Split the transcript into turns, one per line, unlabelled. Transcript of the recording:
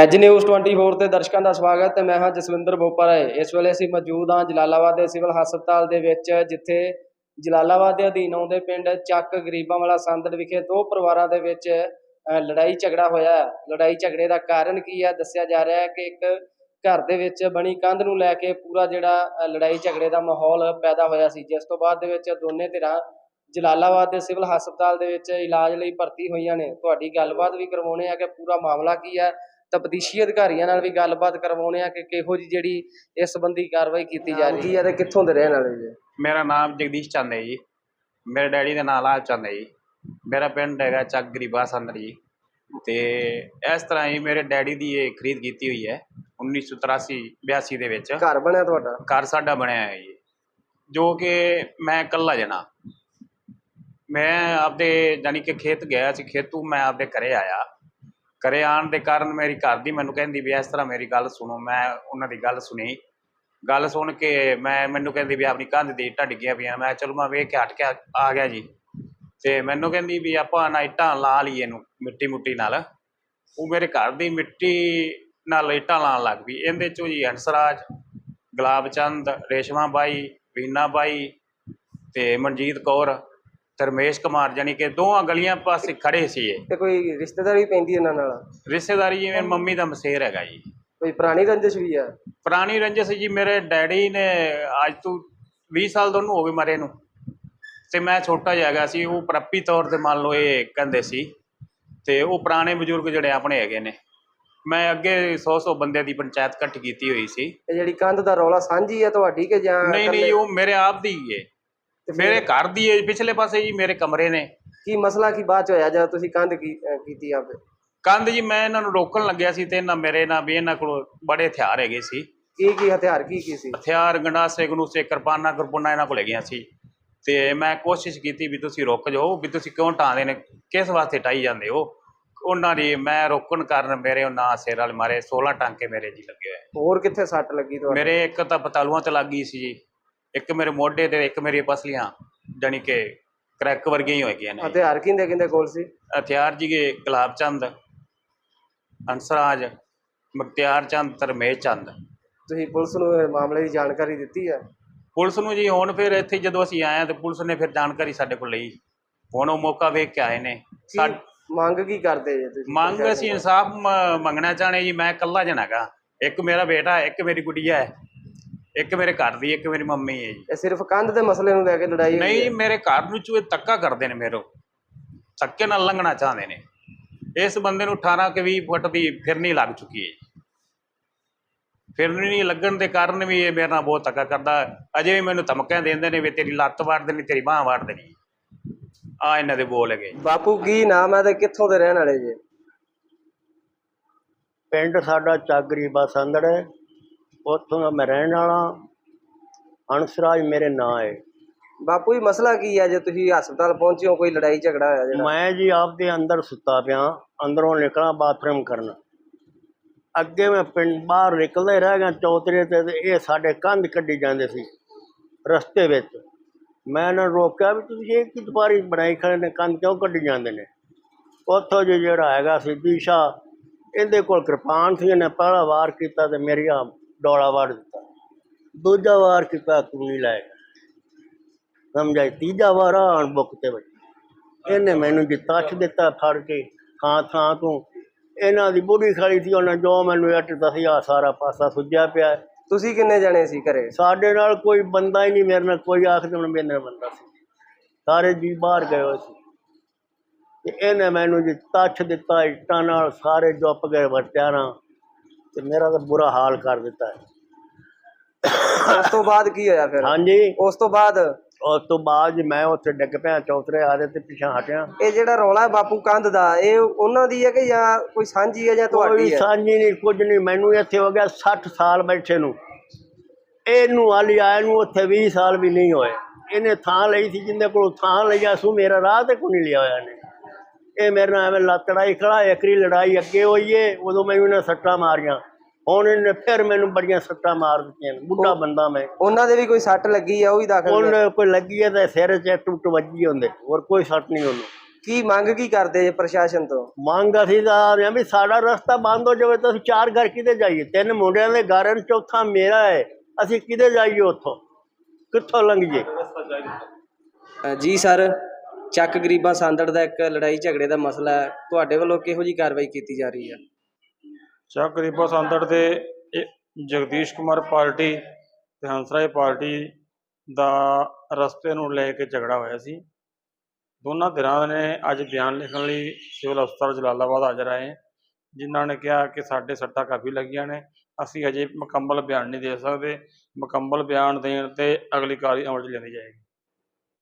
As news 24 ਤੇ ਦਰਸ਼ਕਾਂ ਦਾ ਸਵਾਗਤ ਹੈ। ਮੈਂ ਹਾਂ ਜਸਵਿੰਦਰ ਬੋਪਾਰਾਏ। ਇਸ ਵੇਲੇ ਅਸੀਂ ਮੌਜੂਦ ਹਾਂ ਜਲਾਲਾਬਾਦ ਦੇ ਸਿਵਲ ਹਸਪਤਾਲ ਦੇ ਵਿੱਚ, ਜਿੱਥੇ ਜਲਾਲਾਬਾਦ ਦੇ ਅਧੀਨ ਆਉਂਦੇ ਪਿੰਡ ਚੱਕ ਗਰੀਬਾਂ ਵਾਲਾ ਸੰਦੜ ਵਿਖੇ ਦੋ ਪਰਿਵਾਰਾਂ ਦੇ ਵਿੱਚ ਲੜਾਈ ਝਗੜਾ ਹੋਇਆ। ਲੜਾਈ ਝਗੜੇ ਦਾ ਕਾਰਨ ਕੀ ਹੈ ਦੱਸਿਆ ਜਾ ਰਿਹਾ ਹੈ ਕਿ ਇੱਕ ਘਰ ਦੇ ਵਿੱਚ ਬਣੀ ਕੰਧ ਨੂੰ ਲੈ ਕੇ ਪੂਰਾ ਜਿਹੜਾ ਲੜਾਈ ਝਗੜੇ ਦਾ ਮਾਹੌਲ ਪੈਦਾ ਹੋਇਆ ਸੀ, ਜਿਸ ਤੋਂ ਬਾਅਦ ਦੇ ਵਿੱਚ ਦੋਨੇ ਧਿਰਾਂ ਜਲਾਲਾਬਾਦ ਦੇ ਸਿਵਲ ਹਸਪਤਾਲ ਦੇ ਵਿੱਚ ਇਲਾਜ ਲਈ ਭਰਤੀ ਹੋਈਆਂ ਨੇ। ਤੁਹਾਡੀ ਗੱਲਬਾਤ ਵੀ ਕਰਵਾਉਣੇ ਆ ਕਿ ਪੂਰਾ ਮਾਮਲਾ ਕੀ ਹੈ, ਤਫਤੀਸ਼ੀ ਅਧਿਕਾਰੀਆਂ ਨਾਲ ਵੀ ਗੱਲਬਾਤ ਕਰਵਾਉਣੇ ਆ ਕਿ ਕਿਹੋ ਜਿਹੀ ਜਿਹੜੀ ਇਸ ਸੰਬੰਧੀ ਕਾਰਵਾਈ ਕੀਤੀ ਜਾ ਰਹੀ ਹੈ ਤੇ ਕਿੱਥੋਂ ਦੇ ਰਹਿਣ ਵਾਲੇ ਜੀ।
ਮੇਰਾ ਨਾਮ ਜਗਦੀਸ਼ ਚੰਦ ਹੈ ਜੀ। ਮੇਰੇ ਡੈਡੀ ਦਾ ਨਾਮ ਲਾਲ ਚੰਦ ਹੈ ਜੀ। ਮੇਰਾ ਪਿੰਡ ਹੈਗਾ ਚੱਕ ਗਰੀਬਾ ਸੰਦਰ ਜੀ। ਤੇ ਇਸ ਤਰ੍ਹਾਂ ਹੀ ਮੇਰੇ ਡੈਡੀ ਦੀ ਇਹ ਖਰੀਦ ਕੀਤੀ ਹੋਈ ਹੈ 1983-82 ਦੇ ਵਿੱਚ।
ਘਰ ਬਣਿਆ ਤੁਹਾਡਾ?
ਘਰ ਸਾਡਾ ਬਣਿਆ ਹੈ ਜੀ, ਜੋ ਕਿ ਮੈਂ ਇਕੱਲਾ ਜਣਾ। ਮੈਂ ਆਪਦੇ ਜਾਨੀ ਕਿ ਖੇਤ ਗਿਆ ਸੀ, ਖੇਤੋਂ ਮੈਂ ਆਪਦੇ ਘਰੇ ਆਇਆ। ਘਰੇ ਆਉਣ ਦੇ ਕਾਰਨ ਮੇਰੀ ਘਰ ਦੀ ਮੈਨੂੰ ਕਹਿੰਦੀ ਵੀ ਇਸ ਤਰ੍ਹਾਂ ਮੇਰੀ ਗੱਲ ਸੁਣੋ। ਮੈਂ ਉਹਨਾਂ ਦੀ ਗੱਲ ਸੁਣੀ। ਗੱਲ ਸੁਣ ਕੇ ਮੈਨੂੰ ਕਹਿੰਦੀ ਵੀ ਆਪਣੀ ਕੰਧ ਦੀ ਇੱਟਾਂ ਡਿੱਗੀਆਂ ਪਈਆਂ। ਮੈਂ ਚਲੋ ਮੈਂ ਵੇਖ ਕੇ ਹਟ ਕੇ ਆ ਗਿਆ ਜੀ। ਅਤੇ ਮੈਨੂੰ ਕਹਿੰਦੀ ਵੀ ਆਪਾਂ ਨਾ ਇੱਟਾਂ ਲਾ ਲਈਏ ਇਹਨੂੰ ਮਿੱਟੀ ਨਾਲ। ਉਹ ਮੇਰੇ ਘਰ ਦੀ ਮਿੱਟੀ ਨਾਲ ਇੱਟਾਂ ਲਾਉਣ ਲੱਗ ਪਈ। ਇਹਦੇ 'ਚੋਂ ਜੀ ਹੰਸਰਾਜ, ਗੁਲਾਬ ਚੰਦ, ਰੇਸ਼ਮਾ ਬਾਈ, ਵੀਨਾ ਬਾਈ ਅਤੇ ਮਨਜੀਤ ਕੌਰ, ਰਮੇਸ਼ ਕੁਮਾਰ, ਜਾਣੀ ਕਿ ਦੋਵਾਂ ਗਲੀਆਂ ਪਾਸੇ ਖੜੇ ਸੀ।
ਤੇ ਕੋਈ ਰਿਸ਼ਤੇਦਾਰੀ ਪੈਂਦੀ ਇਹਨਾਂ ਨਾਲ?
ਰਿਸ਼ਤੇਦਾਰੀ ਜੀ ਮੇਰੀ ਮੰਮੀ ਦਾ ਮਸੇਰ ਹੈਗਾ ਜੀ।
ਕੋਈ ਪੁਰਾਣੀ ਰੰਜਿਸ਼ ਵੀ ਆ?
ਪੁਰਾਣੀ ਰੰਜਿਸ਼ ਜੀ। ਮੇਰੇ ਡੈਡੀ ਨੇ ਅੱਜ ਤੋਂ 20 ਸਾਲ ਤੋਂ ਹੋ ਗਏ ਮਰੇ ਨੂੰ, ਅਤੇ ਮੈਂ ਛੋਟਾ ਜਿਹਾ ਹੈਗਾ ਸੀ। ਉਹ ਪ੍ਰੱਪੀ ਤੌਰ 'ਤੇ ਮੰਨ ਲਓ ਇਹ ਕਹਿੰਦੇ ਸੀ। ਅਤੇ ਉਹ ਪੁਰਾਣੇ ਬਜ਼ੁਰਗ ਜਿਹੜੇ ਆਪਣੇ ਹੈਗੇ ਨੇ, ਮੈਂ ਅੱਗੇ 100 ਬੰਦਿਆਂ ਦੀ ਪੰਚਾਇਤ ਇਕੱਠੀ ਕੀਤੀ ਹੋਈ ਸੀ।
ਇਹ ਜਿਹੜੀ ਕੰਧ ਦਾ ਰੌਲਾ ਸਾਂਝੀ ਹੈ ਤੁਹਾਡੀ ਕਿ ਜਾਂ?
ਨਹੀਂ, ਉਹ ਮੇਰੇ ਆਪ ਦੀ ਹੀ ਹੈ, ਮੇਰੇ ਘਰ ਦੀ ਹੈ। ਪਿਛਲੇ ਪਾਸੇ ਜੀ ਮੇਰੇ ਕਮਰੇ ਨੇ।
ਕੀ ਮਸਲਾ ਕੀ ਬਾਅਦ 'ਚ ਹੋਇਆ ਜਦ ਤੁਸੀਂ ਕੰਧ ਕੀਤੀ ਆਪੇ?
ਕੰਧ ਜੀ ਮੈਂ ਇਹਨਾਂ ਨੂੰ ਰੋਕਣ ਲੱਗਿਆ ਸੀ, ਅਤੇ ਇਹਨਾਂ ਕੋਲ ਬੜੇ ਹਥਿਆਰ ਹੈਗੇ ਸੀ।
ਕੀ ਹਥਿਆਰ ਕੀ ਸੀ?
ਹਥਿਆਰ ਗੰਡਾਸੇ ਗੰਡੂਸੇ, ਕਿਰਪਾਨਾਂ ਇਹਨਾਂ ਕੋਲ ਹੈਗੀਆਂ ਸੀ। ਅਤੇ ਮੈਂ ਕੋਸ਼ਿਸ਼ ਕੀਤੀ ਵੀ ਤੁਸੀਂ ਰੁਕ ਜਾਓ, ਵੀ ਤੁਸੀਂ ਕਿਉਂ ਢਾਂਦੇ ਨੇ, ਕਿਸ ਵਾਸਤੇ ਢਾਈ ਜਾਂਦੇ ਹੋ। ਉਹਨਾਂ ਦੀ ਮੈਂ ਰੋਕਣ ਕਾਰਨ ਮੇਰੇ ਉਹਨਾਂ ਸਿਰ ਵਾਲੇ ਮਾਰੇ 16 ਟਾਂਕੇ ਮੇਰੇ ਜੀ ਲੱਗੇ ਹੋਏ।
ਹੋਰ ਕਿੱਥੇ ਸੱਟ ਲੱਗੀ ਤੁਹਾਨੂੰ?
ਮੇਰੇ ਇੱਕ ਤਾਂ ਪਤਾਲੂਆਂ 'ਤੇ ਲੱਗ ਗਈ ਸੀ ਜੀ, ਇੱਕ ਮੇਰੇ ਮੋਢੇ 'ਤੇ, ਇੱਕ ਮੇਰੀਆਂ ਪਸਲੀਆਂ ਜਾਣੀ ਕਿ ਕਰੈਕ ਵਰਗੀਆਂ ਹੀ ਹੋਈਆਂ ਨੇ।
ਹਥਿਆਰ ਕਿਹਦੇ ਕੋਲ ਸੀ?
ਹਥਿਆਰ ਜੀ ਗੁਲਾਬ ਚੰਦ, ਹੰਸਰਾਜ, ਮੁਖਤਿਆਰ ਚੰਦ, ਰਮੇਸ਼ ਚੰਦ।
ਤੁਸੀਂ ਪੁਲਿਸ ਨੂੰ ਇਹ ਮਾਮਲੇ ਦੀ ਜਾਣਕਾਰੀ ਦਿੱਤੀ ਹੈ?
ਪੁਲਿਸ ਨੂੰ ਜੀ ਹੁਣ ਫਿਰ ਇੱਥੇ ਜਦੋਂ ਅਸੀਂ ਆਏ ਹਾਂ ਤਾਂ ਪੁਲਿਸ ਨੇ ਫਿਰ ਜਾਣਕਾਰੀ ਸਾਡੇ ਕੋਲ ਲਈ। ਹੁਣ ਉਹ ਮੌਕਾ ਵੇਖ ਕੇ ਆਏ ਨੇ।
ਮੰਗ ਕੀ ਕਰਦੇ ਜੀ ਤੁਸੀਂ?
ਮੰਗ ਅਸੀਂ ਇਨਸਾਫ ਮੰਗਣਾ ਚਾਹੁੰਦੇ ਜੀ। ਮੈਂ ਇਕੱਲਾ ਜਣਾ ਹੈਗਾ, ਇੱਕ ਮੇਰਾ ਬੇਟਾ, ਇੱਕ ਮੇਰੀ ਗੁੱਡੀਆ ਹੈ, ਇੱਕ ਮੇਰੇ ਘਰ ਦੀ, ਇੱਕ ਮੇਰੀ ਮੰਮੀ ਹੈ ਜੀ।
ਇਹ ਸਿਰਫ ਕੰਧ ਦੇ ਮਸਲੇ ਨੂੰ ਲੈ ਕੇ ਲੜਾਈ?
ਨਹੀਂ, ਮੇਰੇ ਘਰ ਨੂੰ ਚੂਹੇ ਧੱਕਾ ਕਰਦੇ ਨੇ, ਮੇਰੇ ਧੱਕੇ ਨਾਲ ਲੰਘਣਾ ਚਾਹੁੰਦੇ ਨੇ। ਇਸ ਬੰਦੇ ਨੂੰ 18 ਕਿ 20 ਫੁੱਟ ਦੀ ਫਿਰਨੀ ਲੱਗ ਚੁੱਕੀ ਹੈ। ਫਿਰਨੀ ਲੱਗਣ ਦੇ ਕਾਰਨ ਵੀ ਇਹ ਮੇਰੇ ਨਾਲ ਬਹੁਤ ਧੱਕਾ ਕਰਦਾ। ਅਜੇ ਵੀ ਮੈਨੂੰ ਧਮਕੀਆਂ ਦਿੰਦੇ ਨੇ ਵੀ ਤੇਰੀ ਲੱਤ ਵੱਢ ਦੇਣੀ, ਤੇਰੀ ਬਾਂਹ ਵੱਢ ਦੇਣੀ। ਆ ਇਹਨਾਂ ਦੇ ਬੋਲ ਹੈਗੇ।
ਬਾਪੂ ਕੀ ਨਾਮ ਹੈ ਤੇ ਕਿੱਥੋਂ ਦੇ ਰਹਿਣ ਵਾਲੇ ਜੀ?
ਪਿੰਡ ਸਾਡਾ ਚੱਕ ਗਰੀਬਾ ਸੰਦੜ ਹੈ, ਉੱਥੋਂ ਦਾ ਮੈਂ ਰਹਿਣ ਵਾਲਾ। ਹੰਸਰਾਜ ਮੇਰੇ ਨਾਂ ਹੈ।
ਬਾਪੂ ਜੀ ਮਸਲਾ ਕੀ ਹੈ ਜੇ ਤੁਸੀਂ ਹਸਪਤਾਲ ਪਹੁੰਚੇ ਹੋ? ਕੋਈ ਲੜਾਈ ਝਗੜਾ ਹੋਇਆ ਜਿਹੜਾ?
ਮੈਂ ਜੀ ਆਪਦੇ ਅੰਦਰ ਸੁੱਤਾ ਪਿਆ, ਅੰਦਰੋਂ ਨਿਕਲਾਂ ਬਾਥਰੂਮ ਕਰਨ। ਅੱਗੇ ਮੈਂ ਪਿੰਡ ਬਾਹਰ ਨਿਕਲਦਾ ਹੀ ਰਹਿ ਗਿਆ ਚੌਤਰੇ 'ਤੇ, ਇਹ ਸਾਡੇ ਕੰਧ ਕੱਢੀ ਜਾਂਦੇ ਸੀ ਰਸਤੇ ਵਿੱਚ। ਮੈਂ ਇਹਨਾਂ ਨੂੰ ਰੋਕਿਆ ਵੀ ਤੁਸੀਂ ਇਹ ਕੀ ਦੁਪਾਰੀ ਬਣਾਈ ਖੜੇ ਨੇ, ਕੰਧ ਕਿਉਂ ਕੱਢੀ ਜਾਂਦੇ ਨੇ। ਉੱਥੋਂ ਜੀ ਜਿਹੜਾ ਹੈਗਾ ਸੀ ਦੀਸ਼ਾ, ਇਹਦੇ ਕੋਲ ਕਿਰਪਾਨ ਸੀ। ਇਹਨੇ ਪਹਿਲਾ ਵਾਰ ਕੀਤਾ ਅਤੇ ਮੇਰੀ ਆ ਡੋਲਾ ਵੱਢ ਦਿੱਤਾ। ਦੂਜਾ ਵਾਰ ਕੀਤਾ, ਕੂਣੀ ਲੈ ਗਿਆ, ਸਮਝਾਈ। ਤੀਜਾ ਵਾਰ ਆਣ ਬੁੱਕ 'ਤੇ ਵੱਜੀ। ਇਹਨੇ ਮੈਨੂੰ ਜੀ ਤੱਛ ਦਿੱਤਾ ਫੜ ਕੇ ਥਾਂ ਤੋਂ। ਇਹਨਾਂ ਦੀ ਬੁੱਢੀ ਖਾਲੀ ਸੀ, ਉਹਨੇ ਜੋ ਮੈਨੂੰ ਇੱਟ ਦੱਸੀ, ਆ ਸਾਰਾ ਪਾਸਾ ਸੁੱਜਿਆ ਪਿਆ।
ਤੁਸੀਂ ਕਿੰਨੇ ਜਣੇ ਸੀ ਘਰੇ?
ਸਾਡੇ ਨਾਲ ਕੋਈ ਬੰਦਾ ਹੀ ਨਹੀਂ, ਮੇਰੇ ਨਾਲ ਕੋਈ ਆਖਦੇ ਹੁਣ ਮੇਰੇ ਨਾਲ ਬੰਦਾ ਸੀ, ਸਾਰੇ ਜੀ ਬਾਹਰ ਗਏ ਹੋਏ ਸੀ। ਅਤੇ ਇਹਨੇ ਮੈਨੂੰ ਜੀ ਤੱਛ ਦਿੱਤਾ ਇੱਟਾਂ ਨਾਲ, ਸਾਰੇ ਜੁੱਪ ਗਏ ਵਰਤਿਆਰਾਂ, ਅਤੇ ਮੇਰਾ ਤਾਂ ਬੁਰਾ ਹਾਲ ਕਰ ਦਿੱਤਾ।
ਉਸ ਤੋਂ ਬਾਅਦ ਕੀ ਹੋਇਆ ਫਿਰ?
ਹਾਂਜੀ,
ਉਸ ਤੋਂ ਬਾਅਦ
ਜੀ ਮੈਂ ਉੱਥੇ ਡਿੱਗ ਪਿਆ ਚੌਤਰੇ ਆਦੇ ਤੇ ਪਿੱਛਾ ਹਟਿਆ।
ਇਹ ਜਿਹੜਾ ਰੌਲਾ ਹੈ ਬਾਪੂ ਕੰਧ ਦਾ, ਇਹ ਉਹਨਾਂ ਦੀ ਹੈ ਕਿ ਜਾਂ ਕੋਈ ਸਾਂਝੀ ਹੈ ਜਾਂ ਤੁਹਾਡੀ ਹੈ?
ਸਾਂਝੀ ਨਹੀਂ, ਕੁਝ ਨਹੀਂ। ਮੈਨੂੰ ਇੱਥੇ ਹੋ ਗਿਆ 60 ਸਾਲ ਬੈਠੇ ਨੂੰ। ਇਹਨੂੰ ਹਾਲੀ ਆਏ ਨੂੰ ਉੱਥੇ 20 ਸਾਲ ਵੀ ਨਹੀਂ ਹੋਏ। ਇਹਨੇ ਥਾਂ ਲਈ ਸੀ, ਜਿੰਦੇ ਕੋਲ ਥਾਂ ਲਿਆ ਸੂ, ਮੇਰਾ ਰਾਹ ਤੇ ਕੋਈ ਨਹੀਂ ਲਿਆ ਹੋਇਆ ਇਹਨੇ। ਇਹ ਮੇਰੇ ਨਾਲ ਐਵੇਂ ਲੜਾਈ ਖੜਾ। ਇੱਕਰੀ ਲੜਾਈ ਅੱਗੇ ਹੋਈ ਏ, ਉਦੋਂ ਮੈਨੂੰ ਇਹਨੇ ਸੱਟਾਂ ਮਾਰੀਆਂ। ਹੁਣ ਇਹਨੇ ਫਿਰ ਮੈਨੂੰ ਬੜੀਆਂ ਸੱਟਾਂ ਮਾਰ ਦਿੱਤੀਆਂ। ਬੁੱਢਾ ਬੰਦਾ ਮੈਂ।
ਉਹਨਾਂ ਦੇ ਵੀ ਕੋਈ ਸੱਟ ਲੱਗੀ ਆ? ਉਹ ਵੀ ਦਾਖਲ?
ਉਹਨੇ ਕੋਈ ਲੱਗੀ ਹੈ ਤਾਂ ਸਿਰ 'ਚ ਟੁੱਟ ਵੱਜੀ ਹੁੰਦੇ, ਹੋਰ ਕੋਈ ਸੱਟ ਨਹੀਂ ਉਹਨੂੰ।
ਕੀ ਮੰਗ ਕੀ ਕਰਦੇ ਜੇ ਪ੍ਰਸ਼ਾਸਨ ਤੋਂ?
ਮੰਗ ਅਸੀਂ ਤਾਂ ਆ ਰਹੇ ਹਾਂ ਵੀ ਸਾਡਾ ਰਸਤਾ ਬੰਦ ਹੋ ਜਾਵੇ ਤਾਂ ਅਸੀਂ 4 ਘਰ ਕਿਤੇ ਜਾਈਏ? 3 ਮੁੰਡਿਆਂ ਦੇ ਘਰ ਹਨ, ਚੌਥਾ ਮੇਰਾ ਹੈ। ਅਸੀਂ ਕਿਤੇ ਜਾਈਏ? ਉੱਥੋਂ ਕਿੱਥੋਂ ਲੰਘੀਏ?
ਜੀ ਸਰ, ਚੱਕ ਗਰੀਬਾਂ ਸੰਦੜ ਦਾ ਇੱਕ ਲੜਾਈ ਝਗੜੇ ਦਾ ਮਸਲਾ ਹੈ, ਤੁਹਾਡੇ ਵੱਲੋਂ ਕਿਹੋ ਜੀ ਕਾਰਵਾਈ ਕੀਤੀ ਜਾ ਰਹੀ ਹੈ?
ਚੱਕ ਗਰੀਬਾ ਸੰਦੜ ਦੇ ਜਗਦੀਸ਼ ਕੁਮਾਰ ਪਾਰਟੀ ਤੇ ਹੰਸਰਾਜ ਪਾਰਟੀ ਦਾ ਰਸਤੇ ਨੂੰ ਲੈ ਕੇ ਝਗੜਾ ਹੋਇਆ ਸੀ। ਦੋਨਾਂ ਧਿਰਾਂ ਨੇ ਅੱਜ ਬਿਆਨ ਲਿਖਣ ਲਈ ਸਿਵਲ ਹਸਪਤਾਲ ਜਲਾਲਾਬਾਦ ਹਾਜ਼ਰ ਆਏ, ਜਿਨ੍ਹਾਂ ਨੇ ਕਿਹਾ ਕਿ ਸਾਡੇ ਸੱਟਾਂ ਕਾਫੀ ਲੱਗੀਆਂ ਨੇ, ਅਸੀਂ ਅਜੇ ਮੁਕੰਮਲ ਬਿਆਨ ਨਹੀਂ ਦੇ ਸਕਦੇ। ਮੁਕੰਮਲ ਬਿਆਨ ਦੇਣ ਤੇ ਅਗਲੀ ਕਾਰਵਾਈ ਅਮਲ 'ਚ ਲਿਆਂਦੀ ਜਾਏਗੀ।